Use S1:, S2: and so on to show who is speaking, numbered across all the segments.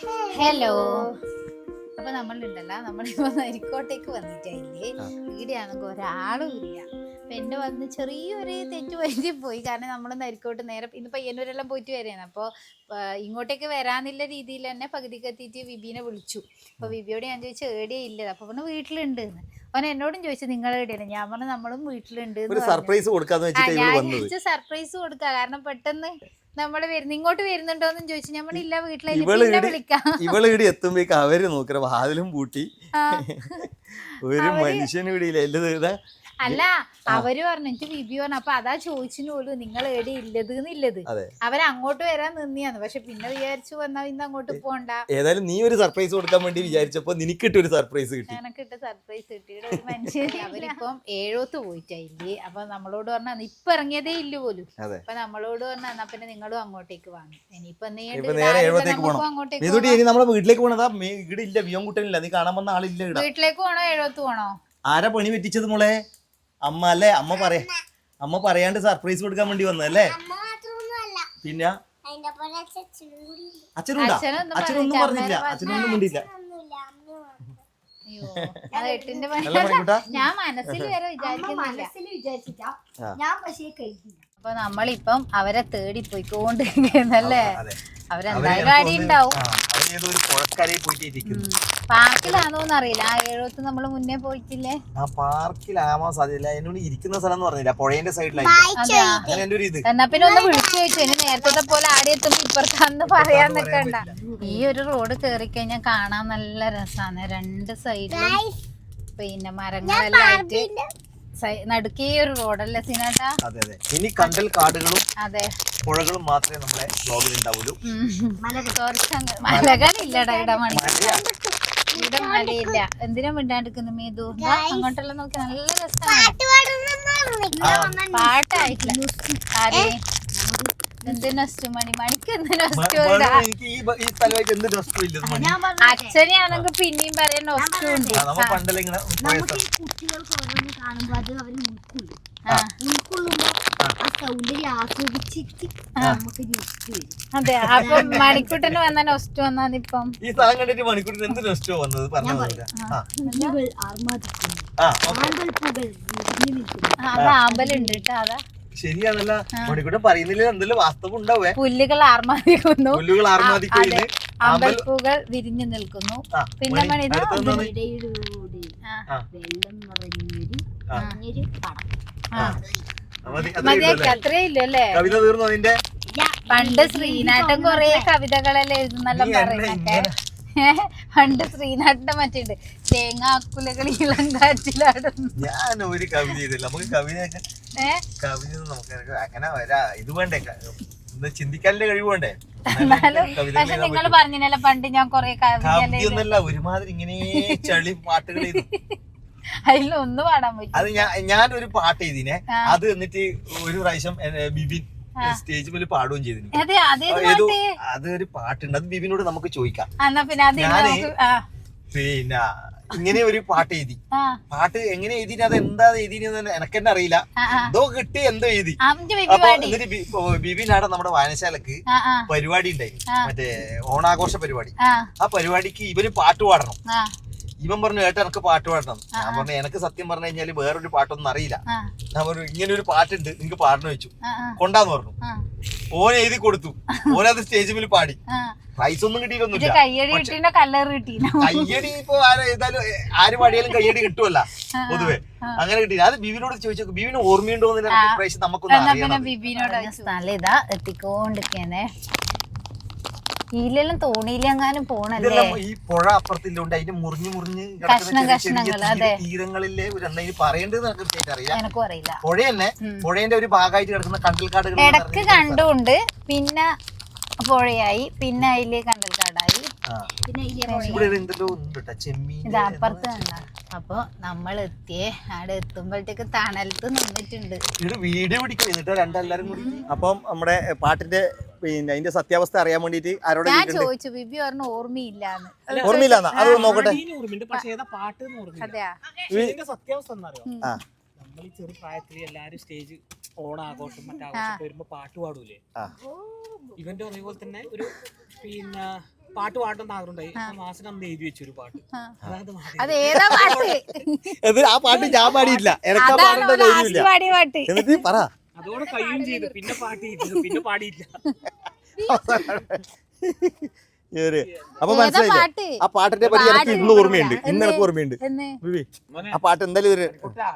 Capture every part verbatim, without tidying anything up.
S1: Hello. അപ്പൊ നമ്മളുണ്ടല്ലോ നമ്മളിപ്പോ നരിക്കോട്ടേക്ക് വന്നിട്ടില്ലേ, ഈടെയാണെങ്കിൽ ഒരാളും ഇല്ല. അപ്പൊ എന്റെ വന്ന് ചെറിയൊരു തെറ്റ് പറ്റി പോയി. കാരണം നമ്മൾ നരിക്കോട്ട് നേരെ ഇന്ന് പയ്യന്നൂരെല്ലാം പോയിട്ട് വരെയാണ്. അപ്പോൾ ഇങ്ങോട്ടേക്ക് വരാന്നുള്ള രീതിയിൽ തന്നെ പകുതിക്ക് എത്തിയിട്ട് വിബീനെ വിളിച്ചു. അപ്പൊ വിബിയോട് ഞാൻ ചോദിച്ചു ഏടിയേ ഇല്ലത്. അപ്പൊ പറഞ്ഞു വീട്ടിലുണ്ട് എന്ന്. അവൻ എന്നോടും ചോദിച്ചു നിങ്ങൾ എവിടെയാണ്. ഞാൻ പറഞ്ഞു നമ്മളും വീട്ടിലുണ്ട്.
S2: സർപ്രൈസ് കൊടുക്കാന്ന് വെച്ചിട്ട്
S1: ഞാൻ സർപ്രൈസ് കൊടുക്ക. കാരണം പെട്ടെന്ന് നമ്മള് വരുന്ന ഇങ്ങോട്ട് വരുന്നുണ്ടോന്നും ചോദിച്ചു. ഞാൻ ഇല്ല വീട്ടിലെ വിളിക്കാം.
S2: ഇവള് ഇവിടെ എത്തുമ്പോഴേക്ക് അവര് നോക്കറ വാതിലും പൂട്ടി. ഒരു മനുഷ്യനും ഇവിടെ ഇല്ല. എല്ലാം
S1: അല്ല അവര് പറഞ്ഞു എനിക്ക് വിബി പറഞ്ഞു. അപ്പൊ അതാ ചോദിച്ചിന് പോലും നിങ്ങൾ എവിടെ ഇല്ലത് എന്നില്ലത്. അവര് അങ്ങോട്ട് വരാൻ നിന്നിയാന്ന്. പക്ഷെ പിന്നെ വിചാരിച്ചു വന്നാ ഇന്ന് അങ്ങോട്ട് പോണ്ട.
S2: ഏതായാലും നീ ഒരു സർപ്രൈസ് കൊടുക്കാൻ വേണ്ടി വിചാരിച്ചപ്പോ നിനക്കിട്ട് ഒരു സർപ്രൈസ് കിട്ടി.
S1: എനക്കിട്ട് സർപ്രൈസ് കിട്ടിയുടെ ഒരു മനുഷ്യൻ. അവരിപ്പം ഏഴോത്ത് പോയിട്ടില്ലേ. അപ്പൊ നമ്മളോട് പറഞ്ഞാ ഇപ്പൊ ഇറങ്ങിയതേ ഇല്ല പോലും. അപ്പൊ നമ്മളോട് പറഞ്ഞാ എന്നാ പിന്നെ നിങ്ങളും അങ്ങോട്ടേക്ക് വാങ്ങി. ഇനിയിപ്പൊ
S2: അങ്ങോട്ടേക്ക് നമ്മളെ വീട്ടിലേക്ക് പോണതാ. ഇവിടെ ഇല്ല വിയോൻ കുട്ടനില്ല. നീ കാണാൻ വന്ന ആളില്ല.
S1: വീട്ടിലേക്ക് പോണോ ഏഴോത്ത് പോണോ?
S2: ആരാ പണി പറ്റിച്ചത് മോളെ? അമ്മ അല്ലേ? അമ്മ പറയാ അമ്മ പറയാണ്ട് സർപ്രൈസ് കൊടുക്കാൻ വേണ്ടി വന്നല്ലേ? പിന്നെ അച്ഛനുണ്ടാ? അച്ഛനൊന്നും പറഞ്ഞില്ല. അച്ഛനൊന്നും മിണ്ടില്ല.
S1: ഞാൻ മനസ്സിൽ വരെ വിചാരിക്കുന്നില്ല. അപ്പൊ നമ്മളിപ്പം അവരെ തേടി പോയിക്കൊണ്ടിരിക്കുന്നല്ലേ. അവരെന്തായാലും അടി ഉണ്ടാവും. പാർക്കിലാണോന്ന് അറിയില്ല. ആ ഏഴോത്ത് നമ്മള് മുന്നേ പോയിട്ടില്ലേ?
S2: ആ പാർക്കിലാവാൻ സാധ്യത. എന്നോട് ഇരിക്കുന്ന സ്ഥലം എന്ന് പറഞ്ഞില്ല, പുഴയുടെ സൈഡിലായി.
S1: എന്നാ പിന്നെ ഒന്ന് വിളിച്ചു ചോദിച്ചു. ഇനി നേരത്തെ പോലെ ആടെ എത്തുമ്പോ ഇപ്പുറത്താന്ന് പറയാൻ നിൽക്കണ്ട. ഈ ഒരു റോഡ് കേറി കഴിഞ്ഞാൽ കാണാൻ നല്ല രസാണ്. രണ്ട് സൈഡിലും പിന്നെ മരങ്ങളെല്ലാം ആയിട്ട് നടുക്കേ ഒരു റോഡല്ലേ സിനാട്ടാ?
S2: അതെ അതെ. ഇനി കണ്ടൽ കാടുകളും
S1: അതെ
S2: പുഴകളും മാത്രമേ നമ്മളെ ബ്ലോഗിൽ ഉണ്ടാവുള്ളൂ.
S1: മലകളില്ലടാ ഇവിടെ. മണി ഇവിടെ മലയില്ല. എന്തിനാ മിണ്ടാണ്ടിരിക്കുന്നു മേതു? അങ്ങോട്ടെല്ലാം നോക്കി നല്ല രസമാണ്. പാട്ടായിട്ടില്ല. ആരേ എന്ത് നൊസ്റ്റു മണി മണിക്ക് എന്ത് നൊസ്റ്റു? അച്ഛനെയാണെങ്കിൽ പിന്നെയും പറയാൻ നൊസ്റ്റു ഉണ്ട്. അതെ. അപ്പൊ മണിക്കൂട്ടന് വന്ന നൊസ്റ്റു വന്നാന്നിപ്പം
S2: ഈ സ്ഥലം കണ്ടിട്ട് മണിക്കൂട്ടിന് എന്ത് നൊസ്റ്റോ വന്നത് പറഞ്ഞു.
S1: അത് ആമ്പലുണ്ട് കേട്ടോ. അതാ
S2: ശരിയാണല്ല. മണിക്കൂട്ടൻ പറയുന്നില്ല എന്തെങ്കിലും വാസ്തവം ഉണ്ടാവേ.
S1: പുല്ലുകൾ ആർമാദിക്കുന്നു.
S2: പുല്ലുകൾ ആർമാദിക്കുന്നു.
S1: അമ്പൽപ്പൂകൾ വിരിഞ്ഞു നിൽക്കുന്നു. പിന്നെ മണി മതിയാക്കി അത്രേ ഇല്ലല്ലേ?
S2: കവിത തീർന്നു അതിന്റെ?
S1: പണ്ട് ശ്രീനാട്ടൻ കൊറേ കവിതകളെല്ലാം എഴുതുന്നെല്ലാം പറയുന്നൊക്കെ. പണ്ട് ശ്രീനാട്ടിന്റെ മറ്റുണ്ട് തേങ്ങാക്കുലകൾ ഇളം കാറ്റിലാടുന്നു.
S2: ഞാൻ ഒരു കവിത ചെയ്തില്ല. നമുക്ക് കവിതയൊക്കെ കവിത നമുക്ക് അങ്ങനെ വരാ. ഇത് വേണ്ടേ, ചിന്തിക്കാനുള്ള കഴിവ് വേണ്ടേ?
S1: പക്ഷെ നിങ്ങൾ പറഞ്ഞല്ലോ പണ്ട് ഞാൻ കൊറേ
S2: കവിതയൊന്നല്ല, ഒരുമാതിരി ഇങ്ങനെ ചളി പാട്ടുകൾ ചെയ്തു.
S1: അതിലൊന്നും പാടാൻ പറ്റും.
S2: അത് ഞാൻ ഞാനൊരു പാട്ട് ചെയ്തിനെ. അത് എന്നിട്ട് ഒരു പ്രാവശ്യം ബിബിൻ സ്റ്റേജ് മേലെ പാടുകയും ചെയ്തിരുന്നു. അതൊരു പാട്ടുണ്ട്. അത് ബിബിനോട് നമുക്ക് ചോദിക്കാം. ഞാന് പിന്നെ ഇങ്ങനെ ഒരു പാട്ട് എഴുതി. പാട്ട് എങ്ങനെ എഴുതി, അത് എന്താ എഴുതിന്ന് എനിക്ക് തന്നെ അറിയില്ല. എന്തോ കിട്ടി, എന്തോ എഴുതി. അപ്പൊ എന്നിട്ട് ബിബിനാടെ നമ്മുടെ വായനശാലക്ക് പരിപാടി ഉണ്ടായി, മറ്റേ ഓണാഘോഷ പരിപാടി. ആ പരിപാടിക്ക് ഇവര് പാട്ട് പാടണം. ഇവൻ പറഞ്ഞു ഏട്ടാ എനിക്ക് പാട്ട് പാടണം. ഞാൻ പറഞ്ഞു എനിക്ക് സത്യം പറഞ്ഞു കഴിഞ്ഞാല് വേറൊരു പാട്ടൊന്നും അറിയില്ല. ഞാൻ പറഞ്ഞു ഇങ്ങനെ ഒരു പാട്ടുണ്ട് നിങ്ങക്ക് പാടണം വെച്ചു. കൊണ്ടാന്ന് പറഞ്ഞു. ഓൻ എഴുതി കൊടുത്തു. ഓനത് സ്റ്റേജ് മേൽ പാടി. പ്രൈസ് ഒന്നും കിട്ടിയിട്ടൊന്നുമില്ല. കയ്യടി ഇപ്പൊ ഏതായാലും ആര് പാടിയാലും കയ്യടി കിട്ടുമല്ല പൊതുവെ. അങ്ങനെ കിട്ടിയില്ല. അത് ബിബിനോട് ചോദിച്ചു. ബിബിന് ഓർമ്മയുണ്ടോ എന്ന് പ്രാവശ്യം നമുക്കൊന്നും
S1: അറിയാം. എത്തിക്കൊണ്ടിരിക്കണേ ഇതിലെല്ലാം തോണിയിലെങ്ങാനും പോണല്ലേ.
S2: ഈ പുഴ അപ്പുറത്തില്ലോണ്ട് അതിന്റെ മുറിഞ്ഞു മുറിഞ്ഞ്
S1: കഷ്ണം കഷ്ണങ്ങൾ. അതെ,
S2: തീരങ്ങളിലെ ഒരു എന്താ പറയേണ്ടത് കൃത്യമായിട്ട് അറിയില്ല.
S1: എനക്കും അറിയില്ല.
S2: പുഴ തന്നെ പുഴേന്റെ ഒരു ഭാഗമായിട്ട് കിടക്കുന്ന കണ്ടൽക്കാടുകൾ
S1: ഇടക്ക് കണ്ടുകൊണ്ട് പിന്നെ പുഴയായി, പിന്നെ അതില് കണ്ടൽക്കാടായി, പിന്നെ ഇത് അപ്പുറത്ത് കണ്ട. അപ്പൊ നമ്മൾ എത്തിയേ അവിടെ എത്തുമ്പോഴത്തേക്ക് തണലത്ത് നിന്നിട്ടുണ്ട്.
S2: വീഡിയോ പിടിക്കും രണ്ടെല്ലാരും കൂടി. അപ്പം നമ്മുടെ പാട്ടിന്റെ പിന്നെ അതിന്റെ സത്യാവസ്ഥ അറിയാൻ വേണ്ടിട്ട് ആരോട്
S1: ഞാൻ ചോദിച്ചു. ബിബി പറഞ്ഞു ഓർമ്മയില്ലാന്ന്.
S2: ഓർമ്മയില്ലാന്ന്? അത് നോക്കട്ടെ.
S3: സത്യാവസ്ഥ എന്നറിയോ? നമ്മൾ ഈ ചെറു പ്രായത്തിൽ എല്ലാരും സ്റ്റേജ് ഓണാഘോഷം മറ്റാഘോഷം വരുമ്പോ പാട്ട് പാടൂലേ? ഇവന്റെ അതേപോലെ തന്നെ ഒരു പിന്നെ പാട്ട് പാടുന്ന ആഗ്രഹമുണ്ടായി മാസം അന്ന് എഴുതി വെച്ചു ഒരു പാട്ട് അതായത്
S1: അത് ഏതാ പാട്ട്?
S2: ആ പാട്ട് ഞാൻ പാടിയില്ല, എനക്കാ പാടേണ്ട ധൈര്യമില്ല.
S1: പാടിയ പാട്ട്
S2: എന്നിട്ട് പറ.
S3: അതോടെ കഴിയും ചെയ്തു, പിന്നെ പാട്ട് ചെയ്തു, പിന്നെ പാടിയില്ല.
S2: അപ്പൊ മനസ്സിലായില്ലേ ആ പാട്ടിനെ പറ്റി എനിക്ക് ഇന്ന് ഓർമ്മയുണ്ട്, ഇന്ന് എനിക്ക് ഓർമ്മയുണ്ട്. ആ പാട്ട് എന്തായാലും ഒരു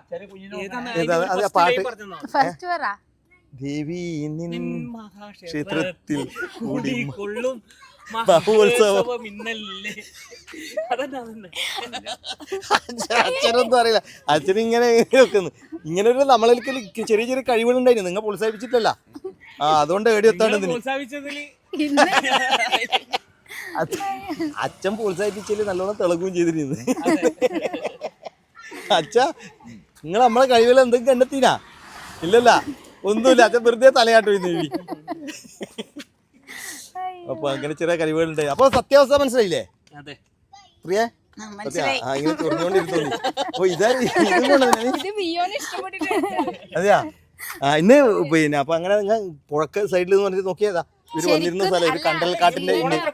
S2: പാട്ട്
S1: ഫസ്റ്റ് പറ.
S2: ദേവി നിൻ ക്ഷേത്രത്തിൽ
S3: കൊള്ളും
S2: മഹോത്സവം. അച്ഛനൊന്നും അറിയില്ല, അച്ഛൻ ഇങ്ങനെ വെക്കുന്നു. ഇങ്ങനെ ഒരു നമ്മളിലേക്ക് ചെറിയ ചെറിയ കഴിവുകളുണ്ടായിരുന്നു, നിങ്ങൾ പ്രോത്സാഹിപ്പിച്ചിട്ടല്ല. ആ അതുകൊണ്ട് എവിടെ എത്താണ്ട് അച്ഛൻ പ്രോത്സാഹിപ്പിച്ചതിൽ നല്ലോണം തിളങ്ങുകയും ചെയ്തിരുന്നു. അച്ഛ നിങ്ങൾ നമ്മളെ കഴിവുകൾ എന്തെങ്കിലും കണ്ടെത്തിനാ? ഇല്ലല്ല, ഒന്നുമില്ല. അച്ഛൻ വെറുതെ തലയാട്ടോ ഇന്ന്. അപ്പൊ അങ്ങനെ ചെറിയ കഴിവുകളുണ്ട്. അപ്പൊ സത്യാവസ്ഥ മനസ്സിലായില്ലേ പ്രിയ? ഇങ്ങനെ ചൊറിഞ്ഞോണ്ടിരുന്നു. ഓ ഇതാ അതെയാ. ആ ഇന്ന് പിന്നെ അപ്പൊ അങ്ങനെ ഞാൻ പുഴക്ക സൈഡിൽ നിന്ന് പറഞ്ഞിട്ട് നോക്കിയതാ ഇവര് വന്നിരുന്ന സ്ഥലം, ഒരു കണ്ടൽക്കാട്ടിന്റെ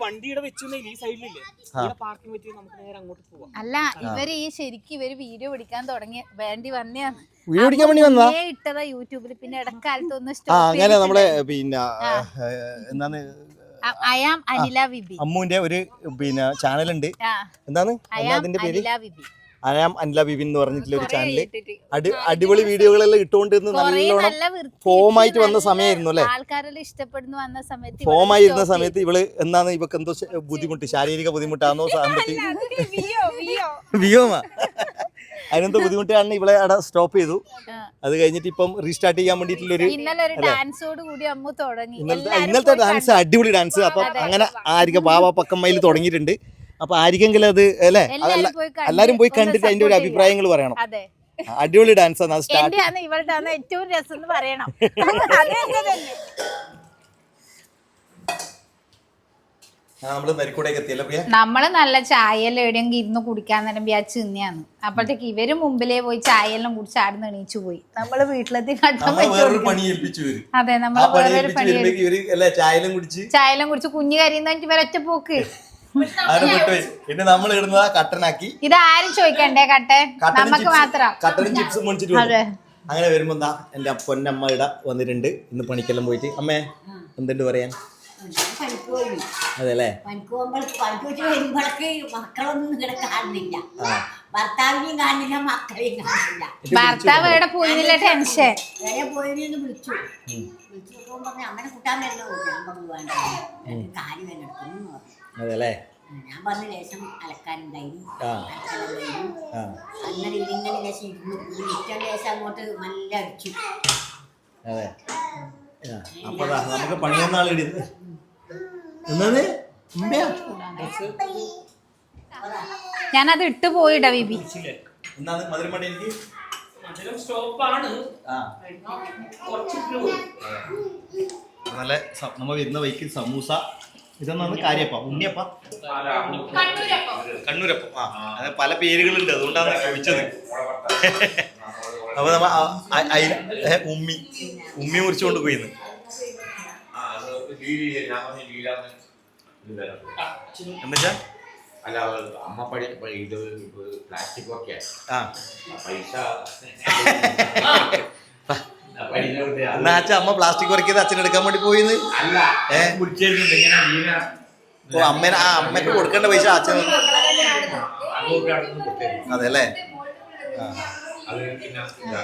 S1: അല്ല ഇവര് ഈ ശരിക്കും ഇവര് വീഡിയോ പിടിക്കാൻ തുടങ്ങി വേണ്ടി വന്നെയാണ്.
S2: വീഡിയോ പിടിക്കാൻ വേണ്ടി വന്നാ
S1: ഇട്ടതാ യൂട്യൂബിൽ. പിന്നെ ഇടക്കാലത്ത് ഒന്ന്
S2: ആ അങ്ങനെ നമ്മളെ പിന്നെ എന്താണ്
S1: അയാം അനില വിബി
S2: അമ്മുവിന്റെ ഒരു പിന്നെ ചാനലുണ്ട്. എന്താണ് അതിന്റെ പേര്? അയാം അനില ബിബിൻ എന്ന് പറഞ്ഞിട്ടുള്ള ഒരു ചാനല്. അടി അടിപൊളി വീഡിയോകളെല്ലാം ഇട്ടുകൊണ്ടിരുന്ന് നല്ലോണം ഫോമായിട്ട് വന്ന സമയമായിരുന്നു അല്ലെ.
S1: ആൾക്കാരെല്ലാം ഇഷ്ടപ്പെടുന്നു വന്ന സമയത്ത്
S2: ഫോമായിരുന്ന സമയത്ത് ഇവള് എന്നാന്ന് ഇവക്ക് എന്തോ ബുദ്ധിമുട്ട്, ശാരീരിക ബുദ്ധിമുട്ടാന്നോ സാമ്പത്തിക വിയോമാ അതിനെന്തോ ബുദ്ധിമുട്ടാണ് ഇവളെ അവിടെ സ്റ്റോപ്പ് ചെയ്തു. അത് കഴിഞ്ഞിട്ട് ഇപ്പം റീസ്റ്റാർട്ട് ചെയ്യാൻ വേണ്ടിട്ടുള്ളൊരു ഇന്നലത്തെ ഡാൻസ് അടിപൊളി ഡാൻസ്. അപ്പൊ അങ്ങനെ ആരിക ബാബ പക്കമ്മയിൽ തുടങ്ങിയിട്ടുണ്ട്. അപ്പൊ ആരിക്കെങ്കിലും അത് അല്ലെ എല്ലാരും പോയി കണ്ടിട്ട് അതിന്റെ ഒരു അഭിപ്രായങ്ങൾ പറയണം. അടിപൊളി ഡാൻസ് ആണ്. സ്റ്റാർട്ട്
S1: ഏറ്റവും രസം എന്ന് പറയണം. നമ്മള് നല്ല ചായയെല്ലാം എവിടെയെങ്കിലും ഇരുന്ന് കുടിക്കാൻ നേരം വിചാരിച്ച് തിന്നെയാണ്. അപ്പോഴത്തേക്ക് ഇവര് മുമ്പിലേ പോയി ചായയെല്ലാം കുടിച്ച് ആടുന്ന് എണീച്ചു പോയി. നമ്മള് വീട്ടിലെത്തി അതെ നമ്മള് വേറൊരു പണി ചായയെല്ലാം കുടിച്ച് കുഞ്ഞു കരിയുന്ന ഇവരൊറ്റ പോക്ക്.
S2: പിന്നെ നമ്മൾ ഇടുന്നതാ കട്ടനാക്കി.
S1: ഇത് ആരും ചോദിക്കണ്ടേ കട്ടൻ, നമുക്ക് മാത്രം.
S2: കട്ടനും ചിപ്സും മേടിച്ചിട്ട് അങ്ങനെ വരുമ്പോ എന്താ എന്റെ പൊന്നമ്മ ഇട വന്നിട്ടുണ്ട്. ഇന്ന് പണിക്കെല്ലാം പോയിട്ട്. അമ്മേ എന്തുണ്ട് പറയാൻ? അതെല്ലേ
S4: മക്കളൊന്നും ഇവിടെ കാണുന്നില്ല, ഭർത്താവിനെയും കാണില്ല, മക്കളെയും കാണില്ല.
S1: ഭർത്താവ് എവിടെ പോയിരുന്നില്ല, ടെൻഷൻ
S4: വേറെ പോയിരുന്നു. വിളിച്ചു വിളിച്ചു പറഞ്ഞു അങ്ങനെ കൂട്ടാൻ വരുന്ന ഞാൻ പറഞ്ഞു വേണ്ട കാര്യം തന്നെ എടുക്കുന്നു പറഞ്ഞു.
S2: അതെല്ലേ
S4: ഞാൻ പറഞ്ഞ ലേശം അലക്കാനുണ്ടായിരുന്നു, അങ്ങനെ ഇതിങ്ങനെ ലേശം ഇരുന്നു. ഈ മിറ്റം ലേശം അങ്ങോട്ട് നല്ല അടിച്ചു.
S2: അതെ അപ്പൊ നമുക്ക് പണിയൊന്നാൾ എന്നത്
S1: ഞാനത് ഇട്ട് പോയിടാ ബിബി.
S2: നല്ല നമ്മ വരുന്ന വഴിക്ക് സമൂസ, ഇതൊന്നാണ് കാര്യപ്പ ഉണ്ണിയപ്പ കണ്ണൂരപ്പം. ആ അത് പല പേരുകളുണ്ട്, അതുകൊണ്ടാണ് ചോദിച്ചത്. അപ്പൊ നമ്മ ഉമ്മി ഉമ്മി മുറിച്ചുകൊണ്ട് പോയിന്ന്. എന്നുവെച്ചാ
S5: അല്ല അമ്മ പഠി ഇത് പ്ലാസ്റ്റിക് ഒക്കെ
S2: ആ
S5: പൈസ
S2: എന്നാച്ചാ അമ്മ പ്ലാസ്റ്റിക് കുറയ്ക്കത് അച്ഛനെടുക്കാൻ വേണ്ടി പോയിന്ന്.
S5: അല്ല ഏഹ്
S2: ഓ അമ്മേനെ ആ അമ്മക്ക് കൊടുക്കേണ്ട പൈസ അച്ഛൻ. അതെ അല്ലേ.
S5: അത് പിന്നെ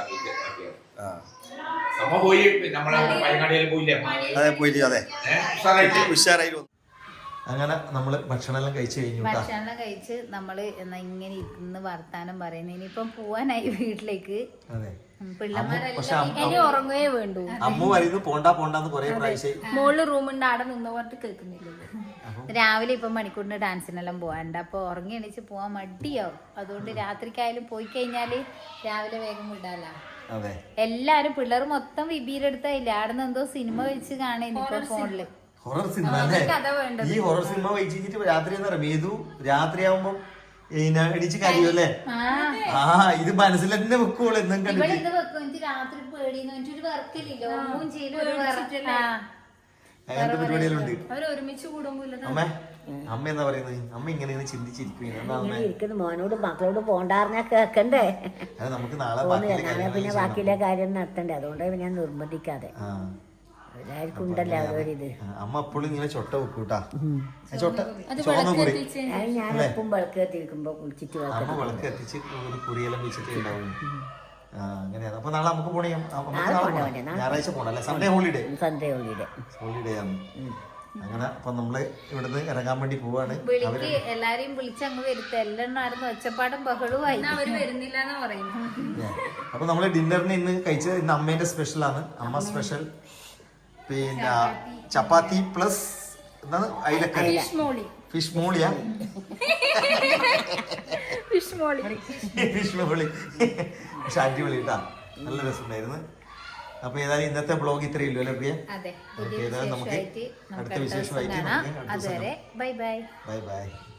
S5: അമ്മ പോയി നമ്മളെ പയ്യങ്ങാടിയിൽ പോയില്ലേ?
S2: അതെ പോയിട്ട് അതെ ഉഷാറായി. അങ്ങനെ നമ്മള് ഭക്ഷണമെല്ലാം കഴിച്ചു കഴിഞ്ഞു.
S1: ഭക്ഷണം കഴിച്ച് നമ്മള് എന്നാ ഇങ്ങനെ ഇരുന്ന് വർത്താനം പറയുന്നത്. ഇനിയിപ്പം പോവാനായി വീട്ടിലേക്ക്. പിള്ളമാരെല്ലാം ഉറങ്ങുകയേ വേണ്ടു.
S2: അമ്മ പറയുന്നു പോണ്ടാ പോണ്ടാന്ന് കൊറേ പ്രാവശ്യം.
S1: മോളില് റൂമുണ്ട്, ആടെ നിന്ന് പറഞ്ഞിട്ട് കേൾക്കുന്നില്ലല്ലോ. രാവിലെ ഇപ്പം മണിക്കൂറിന് ഡാൻസിനെല്ലാം പോകാണ്ട്. അപ്പൊ ഉറങ്ങി എണീച്ച് പോവാൻ മടിയാവും. അതുകൊണ്ട് രാത്രിക്കായാലും പോയി കഴിഞ്ഞാല് രാവിലെ വേഗം വിടാലോ. എല്ലാരും പിള്ളേർ മൊത്തം വിബിയിലെടുത്തായില്ല. ആടെ നിന്ന് എന്തോ സിനിമ വെച്ച് കാണുന്നു ഇപ്പൊ ഫോണില്.
S2: ഹൊറർ സിനിമ അല്ലേ? ഈ ഹൊറർ സിനിമ വെച്ചിട്ട് രാത്രി എന്താ പറയാ മേതു രാത്രിയാവുമ്പോ എണീച്ച് കാര്യോ അല്ലേ? ആ ഇത് മനസ്സിൽ തന്നെ വെക്കുള്ളൂ. എന്തും
S1: രാത്രി പേടിയെന്ന് വെച്ചൊരു വർക്കില്ലല്ലോ.
S2: അങ്ങനത്തെ പരിപാടിയെല്ലാം ഉണ്ട്.
S1: അവര് ഒരുമിച്ച് കൂടുമ്പോ
S2: അമ്മ അമ്മ എന്താ പറയുന്നത്? അമ്മ ഇങ്ങനെ ചിന്തിച്ചിരിക്കുകയാണ്. എന്താ അമ്മ?
S4: ഇരിക്കുന്നു മോനോട് മക്കളോട് പോണ്ടാറിഞ്ഞാ കേക്കണ്ടേ.
S2: അത് നമുക്ക് നാളെ
S4: പോന്ന്
S2: ബാക്കിയുള്ള
S4: നാളെ
S2: കാര്യങ്ങൾ
S4: പിന്നെ
S2: ചെയ്യണം.
S4: ബാക്കിയുള്ള കാര്യം നടത്തണ്ടേ, അതുകൊണ്ടാണ് ഞാൻ നിർബന്ധിക്കാതെ.
S2: ആ.
S4: എല്ലാവർക്കും ഉണ്ടല്ലോ അവരൊരിത്.
S2: ആ, അമ്മ എപ്പോഴും ഇങ്ങനെ ചൊട്ട വെക്കൂട്ടാ. ചൊട്ട ചുവന്ന കുറി
S4: അത് ഞാൻ എപ്പം വിളക്ക് കത്തിരിക്കുമ്പോ കുളിച്ചിട്ട് വിളക്ക്
S2: അമ്മ വിളക്ക് കത്തിച്ച് ഒരു കുറിയെല്ലാം വെച്ചിട്ട് ഉണ്ടാവും. ആ, അങ്ങനെയാണ്. അപ്പൊ നാളെ നമുക്ക് പോണേ.
S4: നാളെ പോണ്ട വേണ്ടേ, നാളെ
S2: ഞായറാഴ്ച പോണം അല്ലേ? Sunday holiday.
S4: Sunday holiday.
S2: Holiday ആണ്. അങ്ങനെ അപ്പൊ നമ്മള് ഇവിടുന്ന് ഇറങ്ങാൻ വേണ്ടി പോവാണ്.
S1: വിളിക്ക് എല്ലാരെയും വിളിച്ച് അങ്ങ് വരുത്ത. എല്ലാം ആയിരുന്നു ഒച്ചപ്പാടും ബഹളവുമായി. അവര് വരുന്നില്ല എന്ന് പറയുന്നു.
S2: അപ്പൊ നമ്മള് ഡിന്നറിന് ഇന്ന് കഴിച്ചത് ഇന്ന് അമ്മേന്റെ സ്പെഷ്യൽ ആണ്. അമ്മ സ്പെഷ്യൽ പിന്നെ ചപ്പാത്തി പ്ലസ് എന്താണ് അയിലക്കറി, ഫിഷ് മോളിയാ,
S1: ഫിഷ് മോളി
S2: ഫിഷ് മോളി. പക്ഷെ അടിപൊളി കേട്ടാ, നല്ല രസമുണ്ടായിരുന്നു. അപ്പൊ ഏതായാലും ഇന്നത്തെ ബ്ലോഗ് ഇത്രയേ ഉള്ളൂ അല്ലേ പ്രിയ?
S1: അതെ.
S2: ഓക്കെ, ഏതായാലും നമുക്ക് അടുത്ത വിശേഷമായിട്ട്
S1: അതുവരെ ബൈ ബൈ.
S2: Bye bye.